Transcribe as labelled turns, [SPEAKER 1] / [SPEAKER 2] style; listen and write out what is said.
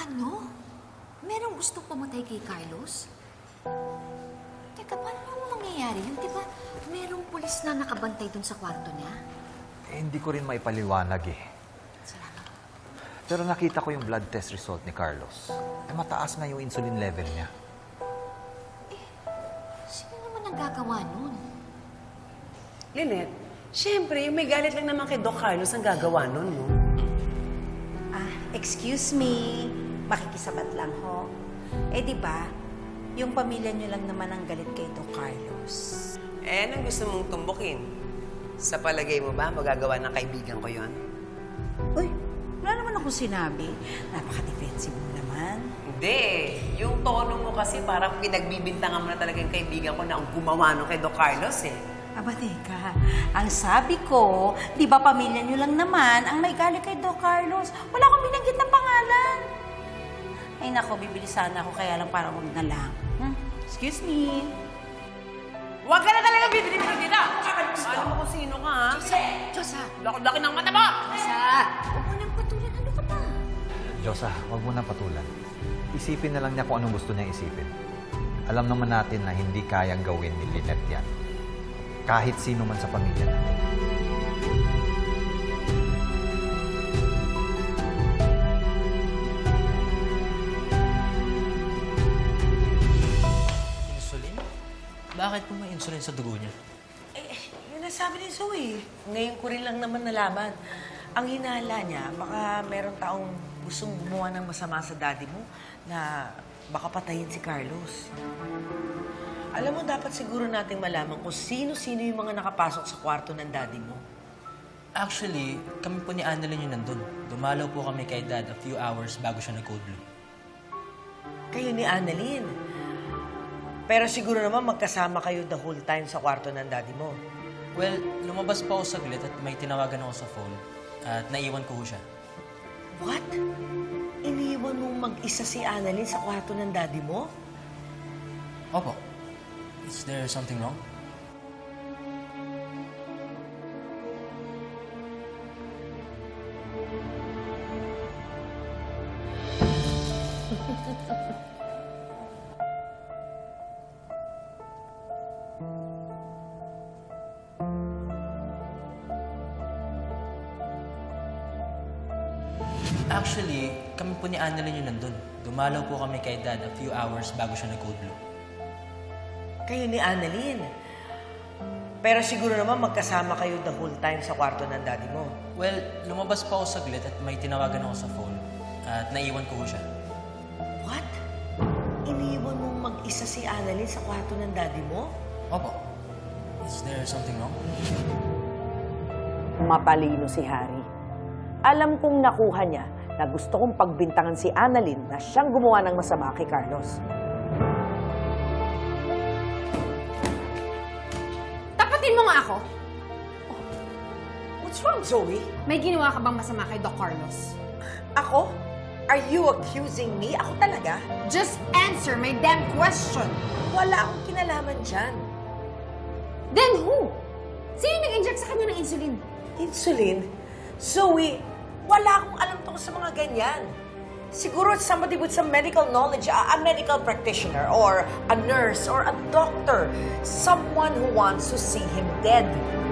[SPEAKER 1] Ano? Merong gustong pumatay kay Carlos? Teka, paano naman mangyayari yun? Di ba merong pulis na nakabantay dun sa kwarto niya?
[SPEAKER 2] Hindi ko rin maipaliwanag eh.
[SPEAKER 1] Salamat.
[SPEAKER 2] Pero nakita ko yung blood test result ni Carlos. Mataas nga yung insulin level niya.
[SPEAKER 1] Sino naman ang gagawa nun?
[SPEAKER 3] Lynette, siyempre, may galit lang naman kay Doc Carlos ang gagawa nun, no?
[SPEAKER 4] Excuse me, makikisabat lang ho. Eh di ba, yung pamilya niyo lang naman ang galit kay Doc Carlos.
[SPEAKER 3] Eh, anong gusto mong tumbukin? Sa palagay mo ba, magagawa ng kaibigan ko yon?
[SPEAKER 4] Uy, wala naman akong sinabi. Napaka-defensive mo naman.
[SPEAKER 3] Hindi. Yung tono mo kasi parang pinagbibintangan mo na talaga yung kaibigan ko na ang gumawa nun kay Doc Carlos, eh.
[SPEAKER 4] Aba, teka. Ang sabi ko, di ba pamilya niyo lang naman ang may galit kay Doc Carlos? Wala akong binanggit ng pangalan. Ay nako, bibili sana ako kaya lang parang huwag na lang. Excuse me.
[SPEAKER 3] Huwag ka na talaga bibili mo dito! Alam mo kung sino ka, ha?
[SPEAKER 1] Diyosa!
[SPEAKER 3] Laki ng mata mo!
[SPEAKER 1] Diyosa! Huwag mo nang patulan. Ano ka ba?
[SPEAKER 2] Diyosa, huwag mo na patulan. Isipin na lang niya kung anong gusto niya isipin. Alam naman natin na hindi kayang gawin ni Lynette yan. Kahit sino man sa pamilya natin.
[SPEAKER 5] Insulin? Bakit po may insulin sa dugo niya?
[SPEAKER 6] Yun ang sabi ni Zoe. Ngayon ko rin lang naman nalaman. Ang hinala niya, baka meron taong gustong gumawa ng masama sa daddy mo na baka patayin si Carlos. Alam mo, dapat siguro nating malaman kung sino-sino yung mga nakapasok sa kwarto ng daddy mo.
[SPEAKER 5] Actually, kami po ni Annalyn yung nandun. Dumalaw po kami kay Dad a few hours bago siya nag-code blue.
[SPEAKER 6] Kayo ni Annalyn. Pero siguro naman magkasama kayo the whole time sa kwarto ng daddy mo.
[SPEAKER 5] Well, lumabas pa ako saglit at may tinawagan ako sa phone at naiwan ko ho siya.
[SPEAKER 6] What? Iniwan mong mag-isa si Annalyn sa kwarto ng daddy mo?
[SPEAKER 5] Opo. Is there something wrong? Actually, kami po ni Annalyn yung nandun. Dumalaw po kami kay Dad a few hours bago siya nag-code blue.
[SPEAKER 6] Kayo ni Annalyn. Pero siguro naman magkasama kayo the whole time sa kwarto ng daddy mo.
[SPEAKER 5] Well, lumabas pa ako saglit at may tinawagan ako sa phone at naiwan ko ho siya.
[SPEAKER 6] What? Iniwan mong mag-isa si Annalyn sa kwarto ng daddy mo?
[SPEAKER 5] Opo. Is there something wrong?
[SPEAKER 7] Matalino si Harry. Alam kong nakuha niya na gusto kong pagbintangan si Annalyn na siyang gumawa ng masama kay Carlos.
[SPEAKER 8] Tapatin mo nga ako.
[SPEAKER 6] What's wrong, Zoe?
[SPEAKER 8] May ginawa ka bang masama kay Doc Carlos?
[SPEAKER 6] Ako? Are you accusing me? Ako talaga?
[SPEAKER 8] Just answer my damn question.
[SPEAKER 6] Wala akong kinalaman dyan.
[SPEAKER 8] Then who? Sino nag-inject sa kanya ng insulin?
[SPEAKER 6] Insulin? Zoe, wala akong alam tungkol sa mga ganyan. Siguro somebody with some medical knowledge, a medical practitioner, or a nurse, or a doctor. Someone who wants to see him dead.